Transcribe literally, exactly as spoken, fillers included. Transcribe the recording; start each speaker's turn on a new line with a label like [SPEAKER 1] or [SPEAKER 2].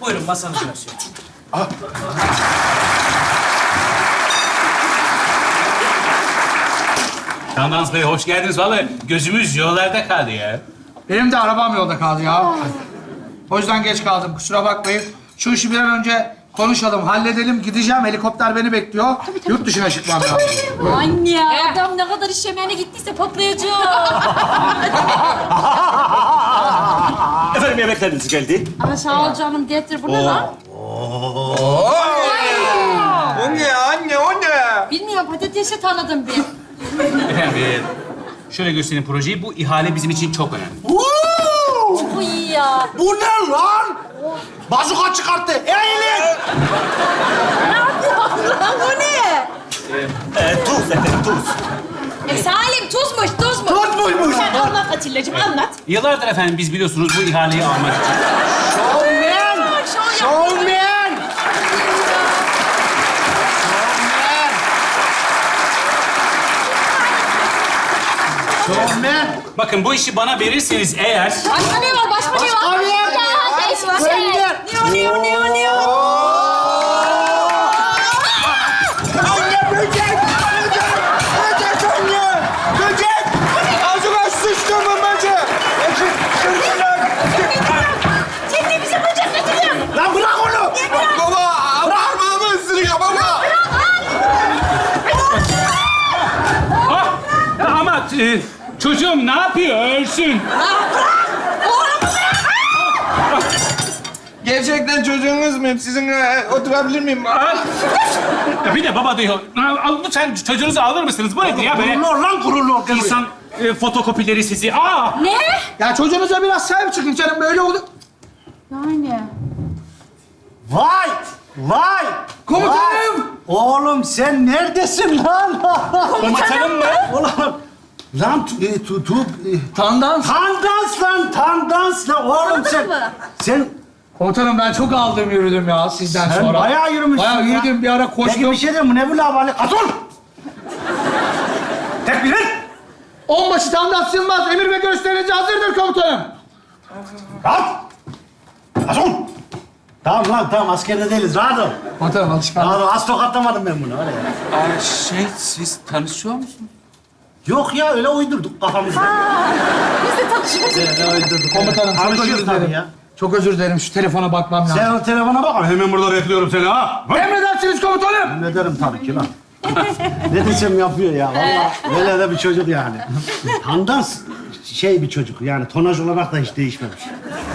[SPEAKER 1] Buyurun masanızı göstereyim.
[SPEAKER 2] Tandans Bey hoş geldiniz. Vallahi gözümüz yollarda kaldı ya.
[SPEAKER 3] Benim de arabam yolda kaldı ya. O yüzden geç kaldım. Kusura bakmayın. Şu işi bir an önce konuşalım, halledelim. Gideceğim. Helikopter beni bekliyor. Yurt dışına çıkmam lazım.
[SPEAKER 4] Anne, adam ne kadar iş yemeğine gittiyse patlayacak.
[SPEAKER 5] Efendim yemekleriniz geldi.
[SPEAKER 4] Ama sağ ol canım, getir. Bu ne lan?
[SPEAKER 6] O ne anne, o ne?
[SPEAKER 4] Bilmiyorum, patatesi tanıdım bir.
[SPEAKER 2] Efendim e, şöyle göstereyim projeyi. Bu ihale bizim için çok önemli.
[SPEAKER 4] Bu iyi ya.
[SPEAKER 5] Bu ne lan? Bazuka çıkarttı. Eğilin.
[SPEAKER 4] Ne yapıyorsun lan? Bu ne?
[SPEAKER 5] Ee, tuz efendim, tuz.
[SPEAKER 4] E, Salim, tuzmuş, tuzmuş.
[SPEAKER 5] Tuzmuymuş.
[SPEAKER 4] Sen anlat Atilla'cığım, anlat.
[SPEAKER 2] Yıllardır efendim biz biliyorsunuz bu ihaleyi almak için.
[SPEAKER 5] Showman. Showman. Showman.
[SPEAKER 2] Bakın bu işi bana verirseniz eğer...
[SPEAKER 4] Başka ne var, başka ne var?
[SPEAKER 5] Başka ne var?
[SPEAKER 4] Ya, değişik şey.
[SPEAKER 5] Gönder.
[SPEAKER 4] Ne o, ne o, ne o, ne o?
[SPEAKER 6] Anne böcek! Böcek! Böcek anne! Böcek! Ağzıma sıçtı mı böcek? Böcek! Sırtına!
[SPEAKER 4] Sen de bize böcek getiriyorsun.
[SPEAKER 5] Lan bırak onu.
[SPEAKER 6] Baba! Parmağımı ısırıyor baba!
[SPEAKER 2] Ah! Ama e, çocuğum ne yapıyor? Ölsün.
[SPEAKER 6] Gerçekten çocuğunuz muyum? Sizinle oturabilir miyim?
[SPEAKER 2] Ah! Ya bir de baba diyor. Al, lütfen çocuğunuzu alır mısınız? Bu nedir ya böyle?
[SPEAKER 5] Gururlu ol lan, gururlu ol.
[SPEAKER 2] İnsan e, fotokopileri sizi. Aa!
[SPEAKER 4] Ne?
[SPEAKER 3] Ya çocuğunuza biraz sahip çıkın canım. Böyle oldu.
[SPEAKER 4] Yani.
[SPEAKER 5] Vay! Vay!
[SPEAKER 3] Komutanım!
[SPEAKER 5] Vay! Oğlum sen neredesin lan?
[SPEAKER 2] Komutanım mı?
[SPEAKER 5] Ulan! Lan tu, e, tu, tu, e,
[SPEAKER 3] Tandans.
[SPEAKER 5] tandans lan, tandans lan. Oğlum sen...
[SPEAKER 4] mı?
[SPEAKER 5] Sen,
[SPEAKER 3] Komutanım ben çok aldım yürüdüm ya sizden
[SPEAKER 5] sen
[SPEAKER 3] sonra.
[SPEAKER 5] bayağı yürümüşsün
[SPEAKER 3] Bayağı
[SPEAKER 5] ya.
[SPEAKER 3] yürüdüm. Bir ara
[SPEAKER 5] Peki
[SPEAKER 3] koştum.
[SPEAKER 5] bir şey diyeyim mi? Ne bu lavali? Atıl! Tekbir ver!
[SPEAKER 3] Onbaşı Tandans Yılmaz emir ve gösterici hazırdır komutanım.
[SPEAKER 5] Rahat! Atıl! Tamam lan, tamam. Askerde değiliz. Rahat ol.
[SPEAKER 3] Komutanım alışkanlık.
[SPEAKER 5] Rahat ol. Az tokatlamadım ben bunu. Öyle ya.
[SPEAKER 2] Aa, şey siz tanışıyor musunuz?
[SPEAKER 5] Yok ya, öyle uydurduk kafamızda.
[SPEAKER 4] Biz de tanışıyoruz.
[SPEAKER 5] Öyle uydurduk.
[SPEAKER 3] Komutanım çok
[SPEAKER 5] Tanışıyoruz
[SPEAKER 3] özür
[SPEAKER 5] tabii
[SPEAKER 3] dilerim.
[SPEAKER 5] ya.
[SPEAKER 3] Çok özür dilerim. Şu telefona bakmam lazım.
[SPEAKER 5] Sen o telefona bak. Hemen burada bekliyorum seni ha.
[SPEAKER 3] Emredersiniz komutanım.
[SPEAKER 5] Ne derim tabii ki lan. Ne desem yapıyor ya. Vallahi böyle de bir çocuk yani. Tandans şey bir çocuk yani tonaj olarak da hiç değişmemiş.